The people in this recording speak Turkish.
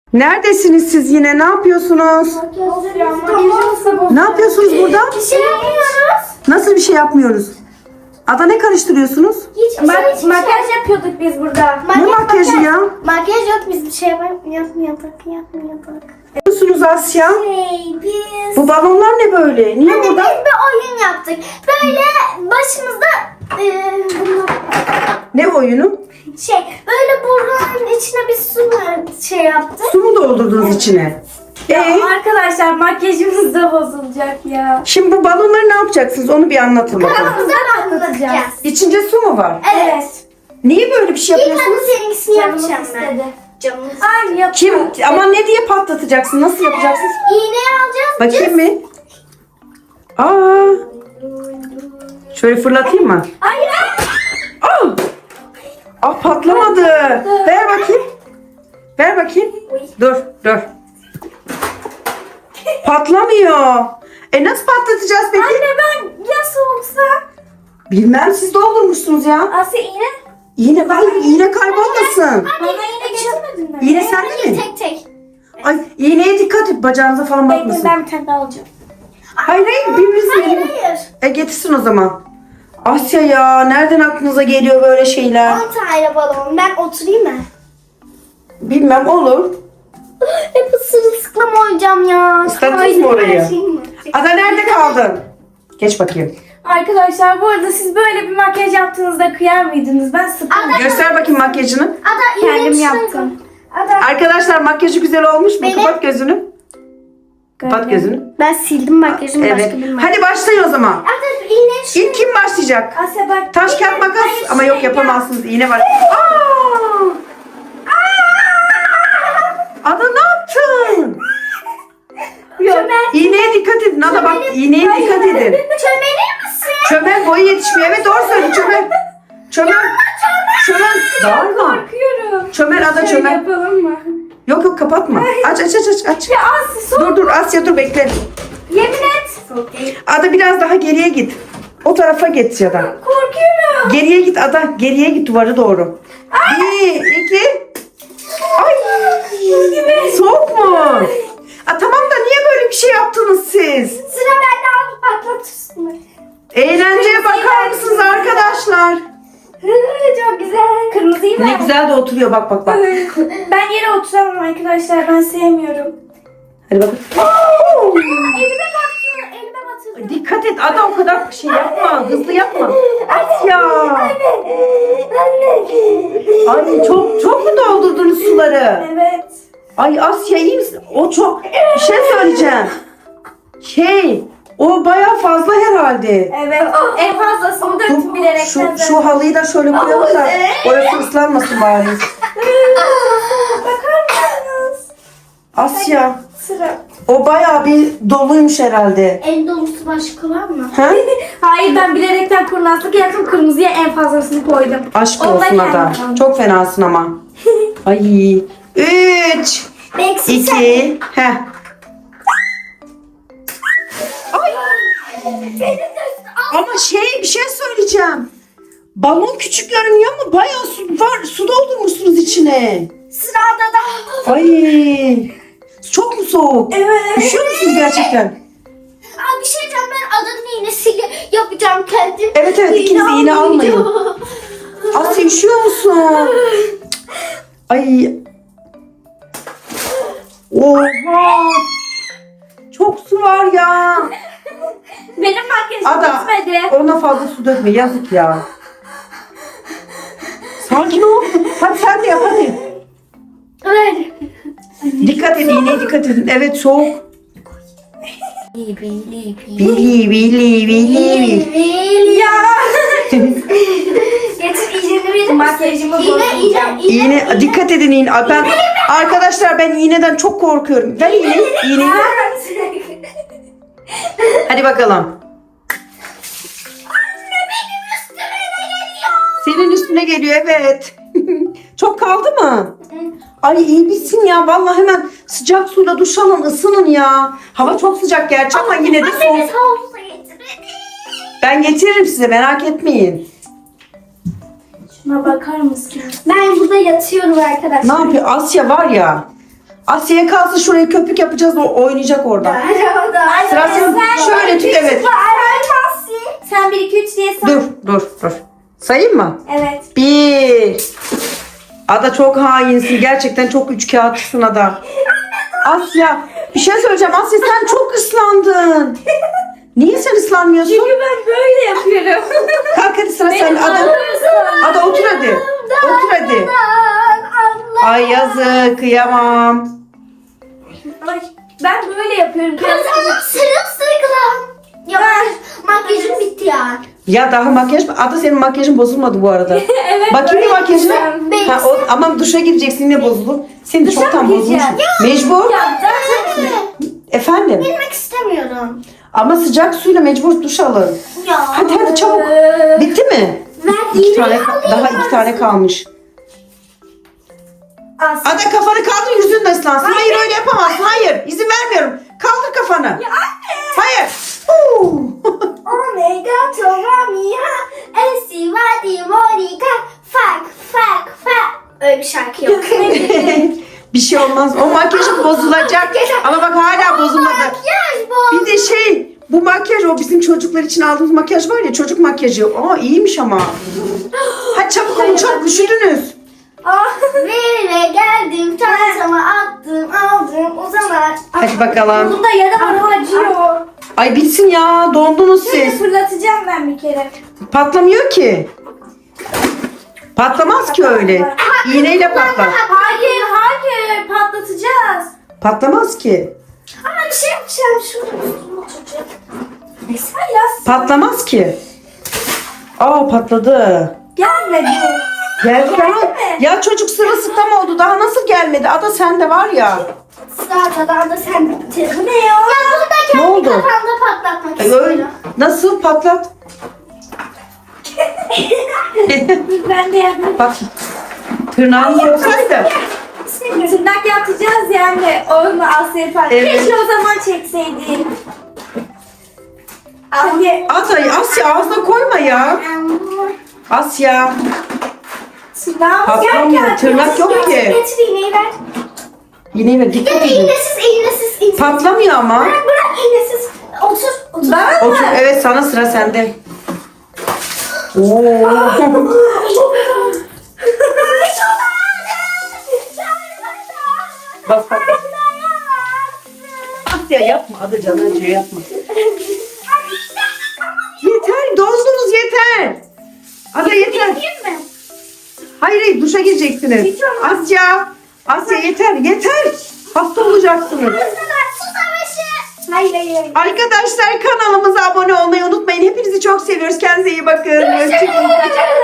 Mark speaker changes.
Speaker 1: Neredesiniz siz yine? Ne yapıyorsunuz? Ne yapıyorsunuz burada?
Speaker 2: Bir şey yapmıyoruz.
Speaker 1: Nasıl bir şey yapmıyoruz? Ada ne karıştırıyorsunuz?
Speaker 2: Makyaj yapıyorduk biz burada.
Speaker 1: Ne makyajı ya?
Speaker 2: Makyaj yok, biz bir şey yapmıyorduk.
Speaker 1: Ne yapıyorsunuz Asya?
Speaker 2: Biz...
Speaker 1: Bu balonlar ne böyle? Niye
Speaker 2: Anne, biz
Speaker 1: burada?
Speaker 2: bir oyun yaptık. Böyle başımızda
Speaker 1: Ne oyunu?
Speaker 2: böyle burnunun içine bir su yaptık.
Speaker 1: Su mu doldurdunuz içine?
Speaker 3: Arkadaşlar makyajımız da bozulacak ya.
Speaker 1: Şimdi bu balonları ne yapacaksınız? Onu bir anlatın bakalım.
Speaker 2: Kanalımıza anlatacağız.
Speaker 1: İçince su mu var?
Speaker 2: Evet.
Speaker 1: Niye böyle bir şey
Speaker 2: İlk
Speaker 1: yapıyorsunuz?
Speaker 2: önce seninkisini
Speaker 3: Canımız
Speaker 2: yapacağım ben.
Speaker 3: istedi.
Speaker 2: Canımız.
Speaker 3: Ay yap.
Speaker 1: Kim? Ama ne diye patlatacaksın? Nasıl yapacaksın?
Speaker 2: İğneyi alacağız.
Speaker 1: Bakayım mı? Aa. Şöyle fırlatayım mı?
Speaker 3: Hayır.
Speaker 1: Aa! Ah patlamadı. Ver bakayım. Ver bakayım. Dur. Patlamıyor. Nasıl patlatacağız peki?
Speaker 3: Anne ben ya soğuksa?
Speaker 1: Bilmem, siz doldurmuşsunuz ya.
Speaker 3: Asya iğne.
Speaker 1: İğne kaybolmasın.
Speaker 3: Bana iğne getirmedin mi?
Speaker 1: İğne sende mi?
Speaker 2: Tek.
Speaker 1: Ay iğneye dikkat et, bacağınıza falan
Speaker 3: Bekle
Speaker 1: batmasın.
Speaker 3: ben bir tane daha alacağım.
Speaker 1: Hayır birbirinizin elini.
Speaker 2: Hayır.
Speaker 1: Getirsin o zaman. Asya ya, nereden aklınıza geliyor böyle şeyler?
Speaker 2: 10 tane balon. Ben oturayım mı?
Speaker 1: Bilmem, olur.
Speaker 2: Hep sırılsıklam olacağım ya.
Speaker 1: İstediniz mi orayı?
Speaker 2: Kaydı.
Speaker 1: Ada nerede kaldın? Geç bakayım.
Speaker 3: Arkadaşlar bu arada siz böyle bir makyaj yaptığınızda kıyar mıydınız? Ben sıkıldım.
Speaker 1: Göster bakayım makyajını.
Speaker 2: Ada
Speaker 3: Kendim
Speaker 2: iğneyi
Speaker 3: yaptım.
Speaker 2: Ada.
Speaker 1: Arkadaşlar makyajı güzel olmuş mu?
Speaker 2: Benim-
Speaker 1: Kapat gözünü. Kapat gözünü.
Speaker 2: Ben sildim makyajımı,
Speaker 1: Evet.
Speaker 2: başka bir makyaj.
Speaker 1: Hadi başlayın o zaman.
Speaker 2: Ada iğneyi
Speaker 1: İlk kim başlayacak?
Speaker 3: Asya bak.
Speaker 1: Taş kağıt makas.
Speaker 2: Hayır,
Speaker 1: Ama yok, yapamazsınız. İğne var. Ada ne yaptın? İğneye dikkat edin. Ada bak, iğneye dikkat edin.
Speaker 2: Çömelir misin?
Speaker 1: Çömel boyu yetişmiyor. Evet, doğru söyle çömel. Çömel. Bağırma.
Speaker 3: Korkuyorum.
Speaker 1: Çömel Ada,
Speaker 3: Şöyle
Speaker 1: çömel.
Speaker 3: yapalım mı?
Speaker 1: Yok kapatma. Aç.
Speaker 3: Ya Asya soğuk.
Speaker 1: Dur Asya, dur bekle.
Speaker 3: Yemin et.
Speaker 1: Ada biraz daha geriye git. O tarafa git ya da.
Speaker 3: Korkuyorum.
Speaker 1: Geriye git Ada. Geriye git duvara doğru. 1, 2. Ay. Soğuk mu? Tamam da niye böyle bir şey yaptınız siz?
Speaker 2: Sıra bende, al patlat üstüne.
Speaker 1: Eğlenceye bakar mısınız arkadaşlar?
Speaker 3: Çok güzel. Kırmızıyı
Speaker 1: Ne
Speaker 3: ver.
Speaker 1: güzel de oturuyor, bak.
Speaker 3: Ben yere oturamam arkadaşlar. Ben sevmiyorum.
Speaker 1: Hadi bakın.
Speaker 2: Elime baktı. Elime batırdı.
Speaker 1: Dikkat et Ada, o kadar şey yapma. Hızlı yapma. Asya. Ay çok mu doldurdunuz suları?
Speaker 3: Evet.
Speaker 1: Ay Asya, iyi misin? O çok... Bir şey söyleyeceğim. O bayağı fazla herhalde.
Speaker 3: Evet. En fazlasını döktüm bilerekten.
Speaker 1: Şu halıyı da şöyle koyalım da orası ıslanmasın bari.
Speaker 3: Bakar mısınız?
Speaker 1: Asya,
Speaker 3: Sıra.
Speaker 1: o bayağı bir doluymuş herhalde.
Speaker 2: En dolusu başka var mı?
Speaker 1: Ha?
Speaker 3: Hayır, ben bilerekten kurnazlık yaptım. Kırmızıya en fazlasını koydum.
Speaker 1: Aşk
Speaker 3: Ondan
Speaker 1: olsun Ada.
Speaker 3: geldim.
Speaker 1: Çok fenasın ama. Ay. 3,
Speaker 2: Beksi
Speaker 1: 2, heh. Ay. Ama bir şey söyleyeceğim. Balon küçük görünüyor ama bayağı su doldurmuşsunuz içine.
Speaker 2: Sırada da.
Speaker 1: Ay. Çok mu soğuk?
Speaker 3: Evet.
Speaker 1: Üşüyor musunuz gerçekten?
Speaker 2: Aa, bir şey diyeceğim, ben adanın iğnesiyle yapacağım kendim.
Speaker 1: Evet, ikiniz de iğne almayın. Asya, üşüyor musun? Ay. Oha. Çok su var ya.
Speaker 3: Benim makyajım
Speaker 1: Ada,
Speaker 3: bitmedi.
Speaker 1: ona fazla su dökme, yazık ya. Sakin ol. Hadi sen de yap hadi.
Speaker 2: Öyle.
Speaker 1: Dikkat edin, iğneye dikkat edin. Evet, soğuk. Bili.
Speaker 3: Ya.
Speaker 2: Getir iğneni verir.
Speaker 3: Makyajımı bozacağım.
Speaker 1: İğne, dikkat edin iğne. Arkadaşlar ben iğneden çok korkuyorum. Ver iğneyi. Hadi bakalım. Senin üstüne geliyor, evet. Çok kaldı mı? Ay iyi bitsin ya. Vallahi hemen sıcak suyla duş alın, ısının ya. Hava çok sıcak gerçi ama yine de soğuk.
Speaker 2: Annemiz havuza getirmedi.
Speaker 1: Ben getiririm size, merak etmeyin.
Speaker 3: Şuna bakar mısın?
Speaker 2: Ben burada yatıyorum arkadaşlar.
Speaker 1: Ne yapıyor? Asya var ya. Asya'ya kalsın, şuraya köpük yapacağız, o oynayacak orada. Sıra sen. Şöyle tut, evet.
Speaker 3: Sen 1 2 3 diye say.
Speaker 1: Dur. Sayayım mı?
Speaker 3: Evet.
Speaker 1: 1. Ada çok hainsin. Gerçekten çok üçkağıtçısın Ada. Asya. Bir şey söyleyeceğim. Asya sen çok ıslandın. Niye sen ıslanmıyorsun?
Speaker 3: Çünkü ben böyle yapıyorum.
Speaker 1: Kalk hadi, sıra sen. Ada otur hadi. Otur hadi. Ay yazık, kıyamam.
Speaker 3: Ay, ben böyle yapıyorum.
Speaker 2: Sırılsıklam. Ya makyajım bitti ya.
Speaker 1: Ya daha makyaj mı? Ada senin makyajın bozulmadı bu arada.
Speaker 3: Evet,
Speaker 1: Bakayım bir
Speaker 3: böyle
Speaker 1: makyajına.
Speaker 3: yapacağım.
Speaker 1: Ha, ama duşa gireceksin, yine bozuldu. Senin de
Speaker 3: Duşa
Speaker 1: çoktan
Speaker 3: mı
Speaker 1: bozulmuş.
Speaker 3: gireceğim?
Speaker 1: Mecbur.
Speaker 3: Ya zaten
Speaker 1: Efendim.
Speaker 2: Bilmek istemiyorum.
Speaker 1: Ama sıcak suyla mecbur duş alın.
Speaker 2: Ya.
Speaker 1: Hadi çabuk. Bitti mi?
Speaker 2: Ben
Speaker 1: 2 tane, daha 2 tane kalmış.
Speaker 3: Asya.
Speaker 1: Ada kafanı kaldır, yüzün de ıslansın. Hayır, öyle yapamazsın. Hayır, izin vermiyorum. Kaldır kafanı.
Speaker 3: Ya anne.
Speaker 1: Hayır.
Speaker 2: Omega Tomamia Estivadi Monica Fak. Öyle bir şarkı yok.
Speaker 1: Bir şey olmaz. O makyajın bozulacak. Ama bak hala bozulmadı.
Speaker 2: Makyaj bu.
Speaker 1: Bir de bu makyaj, o bizim çocuklar için aldığımız makyaj var ya, çocuk makyajı. Aa, iyiymiş ama. Hadi çabuk olun, çok üşüdünüz.
Speaker 2: Ve geldim çantama attım aldım o zaman.
Speaker 1: Hadi bakalım.
Speaker 3: Bunda yaram acıyor.
Speaker 1: Ay bitsin ya, dondunuz
Speaker 3: Şöyle
Speaker 1: siz.
Speaker 3: fırlatacağım ben bir kere.
Speaker 1: Patlamıyor ki. Patlamaz ki öyle. İğneyle patlar.
Speaker 3: Hayır patlatacağız.
Speaker 1: Patlamaz ki.
Speaker 2: Ama bir şey yapacağım şurada oturacak.
Speaker 3: Sen yaz.
Speaker 1: Patlamaz ki. Aa, patladı.
Speaker 3: Gelmedi.
Speaker 1: Geldi daha.
Speaker 3: mi?
Speaker 1: Ya çocuk sırılsıklam oldu. Daha nasıl gelmedi? Ada sende var ya.
Speaker 2: Zaten da sen bitti.
Speaker 3: Bu ne ya?
Speaker 2: Ya bunu da kendi
Speaker 1: Ne oldu?
Speaker 2: kafamda patlatmak
Speaker 1: Öyle.
Speaker 2: istiyorum.
Speaker 1: Nasıl patlat?
Speaker 3: Ben de yapayım.
Speaker 1: Bak. Tırnağın olsaydı.
Speaker 3: Tırnak yapacağız yani. Onu Asya falan.
Speaker 1: Evet.
Speaker 3: Keşke o zaman çekseydin. Anne.
Speaker 1: Asya ağzına koyma ya. Asya.
Speaker 3: Tırnağımız
Speaker 1: Patlamıyor.
Speaker 3: yerken-
Speaker 1: Tırnak yok ki.
Speaker 2: Getir iğneyi ver.
Speaker 1: Yine mi? Dikkat
Speaker 2: Ya da
Speaker 1: edin.
Speaker 2: iğnesiz.
Speaker 1: Patlamıyor ama.
Speaker 2: Bırak iğnesiz. Otur.
Speaker 3: Bana
Speaker 1: Otur.
Speaker 3: mı?
Speaker 1: Evet, sana sıra sende. Oo. Bak. Asya yapma. Ada canı acıyor, yapma. Yeter. Dondunuz, yeter. Ada yeter.
Speaker 2: mi?
Speaker 1: Hayır, duşa gireceksiniz. Asya yeter. Hasta olacaksınız.
Speaker 2: Su savaşı.
Speaker 3: Hayır.
Speaker 1: Arkadaşlar, kanalımıza abone olmayı unutmayın. Hepinizi çok seviyoruz. Kendinize iyi bakın. Hoşçakalın.